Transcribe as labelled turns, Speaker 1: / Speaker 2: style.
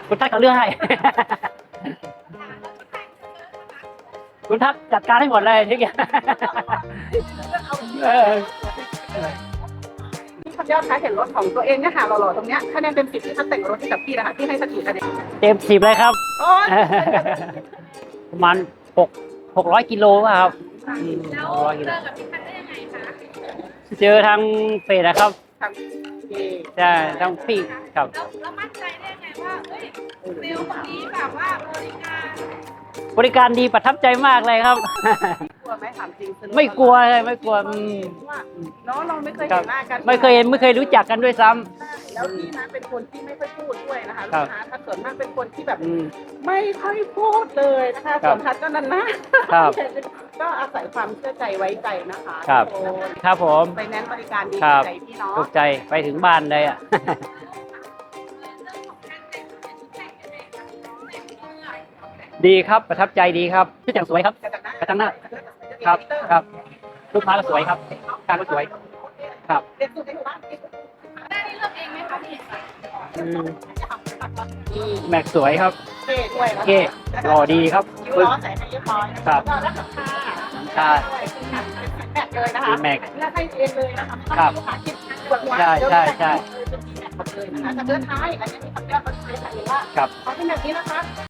Speaker 1: คุณทักเขาเลือกให้ คุณทักจัดการให้หมดเลยทุกอย่าง
Speaker 2: พี่ยอดคะเห็นรถของตัวเองเนี่ยค่ะหล่อๆตรงเนี้ยคะแนนเต็ม10ที่ท่านแต่งรถให้กับพี่นะคะพี่ให้สักกี่คะแนน
Speaker 1: เต็ม10เลยครับ
Speaker 2: โอ้ย
Speaker 1: ประมาณ600 กิโลครับ
Speaker 3: แล้ว
Speaker 1: 600 กิ
Speaker 3: เจ
Speaker 1: โล
Speaker 3: อกับพี่พันได้ยังไงคะ
Speaker 1: เจอทางเฟซนะครับ
Speaker 2: ทำพี่
Speaker 1: ใช่ทางพี่ครับ
Speaker 3: แล้วมั่นใจได้ยังไงว่าเฮ้ยเซลล์คนนี้แบบว่า
Speaker 1: บริการดีประทับใจมากเลยครับ
Speaker 2: กลัวไหมถามจริง
Speaker 1: ไม่กลัวเลยไม่กลัว
Speaker 2: ว่าเนาะเราไม่เคยเห็นหน้ากัน
Speaker 1: ไม่เคยรู้จักกันด้วยซ้ำ
Speaker 2: แล้วพี่นะเป็นคนที่ไม่ค่อยพูดด้วยนะคะ
Speaker 1: ครั
Speaker 2: ลู
Speaker 1: บ
Speaker 2: กค้าถ้าส่วนมากเป็นคนที่แบบ
Speaker 1: อืม
Speaker 2: ไม่ค่อยพูดเลยนะคะ
Speaker 1: ครั
Speaker 2: ส่
Speaker 1: บ
Speaker 2: วนทัดก็นั่นนะครับ ก็อาศัยความเชื่อใจไว้ใจนะคะ
Speaker 1: ครับ
Speaker 2: ทุกคน
Speaker 1: ครับผม
Speaker 2: ไปแนนซ์บริการดี
Speaker 1: ครับ
Speaker 2: ใจพี่เนาะ
Speaker 1: ถูกใจไปถึงบ้านเลยอ่ะ ดีครับประทับใจดีครับชื่อแต่งสวยครับ กระจังหน้า ครับครับลูกค้าก็สวยครับการก็สวยครับ
Speaker 2: เด็กสุดในหมู่บ้าน
Speaker 3: ได้เลือกเองไหมคะพี่
Speaker 1: แม็กสวยครับ
Speaker 2: เก้ด้วยนะ
Speaker 1: เก้หล่อดีครับ
Speaker 2: คิ้วล้อใส่ให้เรียบร้อยนะะ
Speaker 1: ครับ
Speaker 2: ก็รับราคา
Speaker 1: ใช่
Speaker 2: แม็กเลยนะคะ
Speaker 1: แม็ก
Speaker 2: เลือกให้เองเลยนะคะ
Speaker 1: ครับ
Speaker 2: ลูกค้าคิดปวดหัว
Speaker 1: ใช่ใช่ใช่
Speaker 2: เป็นแม็กหมดเลยนะคะแต่เลือกท้ายอันนี้มีคำเลือกมาเลยค่ะว่า
Speaker 1: ครับ
Speaker 2: เขาเป็นแบบนี้นะคะ